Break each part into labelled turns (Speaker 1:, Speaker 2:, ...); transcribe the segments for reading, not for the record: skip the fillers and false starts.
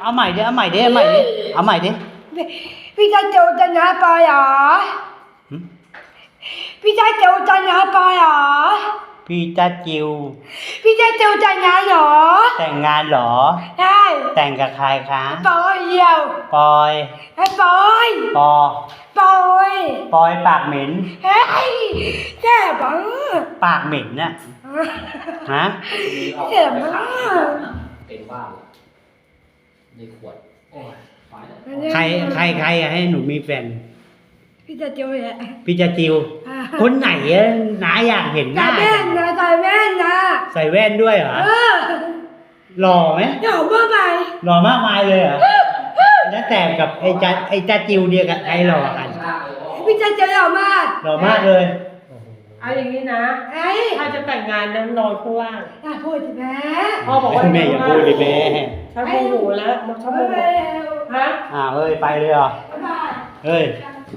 Speaker 1: เอาใหม่ดิเอาใหม่ดิเอาใหม่ดิเอาใหม่ดิ
Speaker 2: พี่จะจูจะนะปอยเหรอพี่จะจูจะนะปอยเหรอ
Speaker 1: พี่จะจิว
Speaker 2: พี่จะจูจะนะเหรอ
Speaker 1: แต่งงานเหรอ
Speaker 2: ใช่
Speaker 1: แต่งกับใครคะ
Speaker 2: ปอยเดียว
Speaker 1: ปอย
Speaker 2: ไอ้ปอย
Speaker 1: ปอ
Speaker 2: ปอย
Speaker 1: ปอยปากเหม็น
Speaker 2: เฮ้ยแย่บ้า
Speaker 1: ปากเหม็นน่ะฮะ
Speaker 2: แย่บ้า
Speaker 3: เป็นบ้าในขวด
Speaker 1: ใครให้หนูมีแฟน
Speaker 2: พี่จะจิวแหละ
Speaker 1: พี่จะจิวคนไหนอะน้าอยากเห็นหน้า
Speaker 2: ใส่แว่นนะใส่แว่นนะ
Speaker 1: ใส่แว่นด้วยเหรอหล่อไหม
Speaker 2: หล่อมากมาย
Speaker 1: หล่อมากมายเลยเหรอแล้วแต่กับไอ้จะจิวเดียวกับใครหล่อกัน
Speaker 2: พี่จะจิวหล่อมาก
Speaker 1: หล่อมากเลย
Speaker 4: เอาอย่างนี้นะถ้าจะแต่งงานนั้นนอนข้างล่าง
Speaker 2: พูดสิแม่
Speaker 4: พ่อบอกว่า
Speaker 1: แม่อย่าพูดเลยแม่
Speaker 4: ฉันโมโหแล้วฉันโมโหฮะ
Speaker 1: เอ้ยไปเลยเหรอเฮ้ย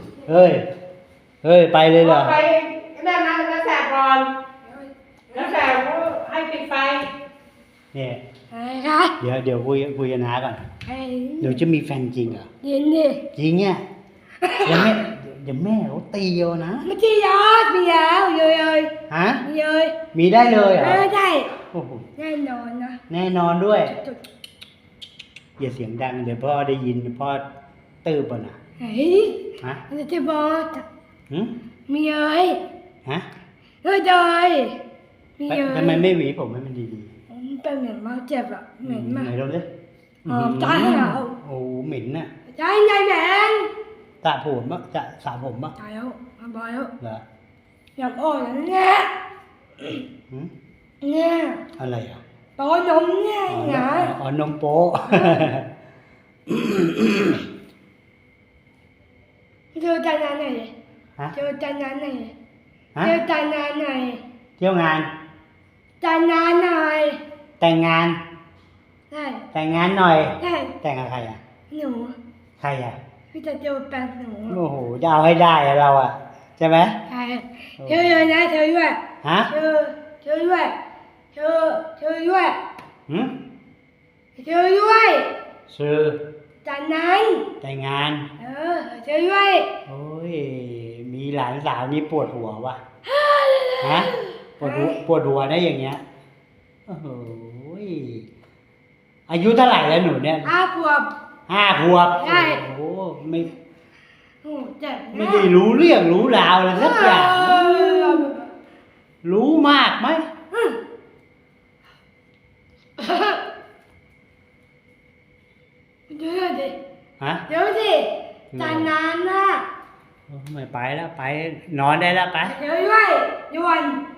Speaker 1: ไปเลยเหรอ
Speaker 4: ไปนั่นนะน้าแสบก่อนน้าแสบให้ปิดไฟ
Speaker 1: เนี่ยเดี๋ยวคุยกันน้าก่อนเดี๋ยวจะมีแฟนจริงเหรอ
Speaker 2: จริงดิ
Speaker 1: จริงเนี่ยเดี๋ยวแม่เขาตีเอานะ
Speaker 2: ไม่ใช่ยอดมีแล้วเลย
Speaker 1: ฮะ
Speaker 2: เลย
Speaker 1: มีได้เลยเหรอ
Speaker 2: ได้
Speaker 1: โอ้โห
Speaker 2: แน่นอนนะ
Speaker 1: แน่นอนด้วยอย่าเสียงดังเดี๋ยวพ่อได้ยินพ่อตื้อป่ะนะ
Speaker 2: เฮ้ย
Speaker 1: ฮะ
Speaker 2: จะบอกมีเลย
Speaker 1: ฮะ
Speaker 2: เลย
Speaker 1: มีเลยทำไมไม่หวีผมให้มันดี
Speaker 2: ๆเป็นเหม็นมากเจ็บอ่ะเหม็นมาก
Speaker 1: ไหนลองดิ
Speaker 2: ใจเหรอ
Speaker 1: โอ้เหม็นน่ะ
Speaker 2: ใจเหม็น
Speaker 1: สระผมปะจะสระผมปะ
Speaker 2: ตายแล้วบอยแล้ว
Speaker 1: เหรอ
Speaker 2: อยากอ่อนเนี่ย
Speaker 1: อะไรอ่ะ
Speaker 2: โป๊นมเนี่ยนะ
Speaker 1: นมโป๊
Speaker 2: เจอจานานไหนเจอจานานไหนเจอจานานไหน
Speaker 1: เที่ยวงาน
Speaker 2: จานานหน่อย
Speaker 1: แต่งงาน
Speaker 2: ใช่
Speaker 1: แต่งงานหน่อย
Speaker 2: ใช่
Speaker 1: แต่งกับใครอ่ะ
Speaker 2: หนู
Speaker 1: ใครอ่ะ
Speaker 2: พี่จะเจอแฟนหนู
Speaker 1: โอ้โหจะเอาให้ได้เราอ่ะใช่ไหม
Speaker 2: ใช่เธอเลยนะเธอด้วย
Speaker 1: ฮะ
Speaker 2: เธอด้วยเธอด้วยเธอด้วย
Speaker 1: ชื่อ
Speaker 2: จากนั้น
Speaker 1: แต่งงาน
Speaker 2: เธอด้วย
Speaker 1: โอ้ยมีหลานสาวนี่ปวดหัวว่ะฮะปวดหัวได้อย่างเงี้ยโอ้โหอายุเท่าไหร่แล้วหนูเนี่ย
Speaker 2: 5 ขวบ
Speaker 1: ใช่โอ้โหไม่ได้
Speaker 2: รู้
Speaker 1: เรื่องรู้ราวอะไรสักอย่างรู้มากไหม
Speaker 2: เดี๋ยวดิ
Speaker 1: ฮะ
Speaker 2: เดี๋ยวดิจานานนะ
Speaker 1: ไม่ไปแล้วไปนอนได้แล้วไป
Speaker 2: เดี๋ยวด้วยด่วน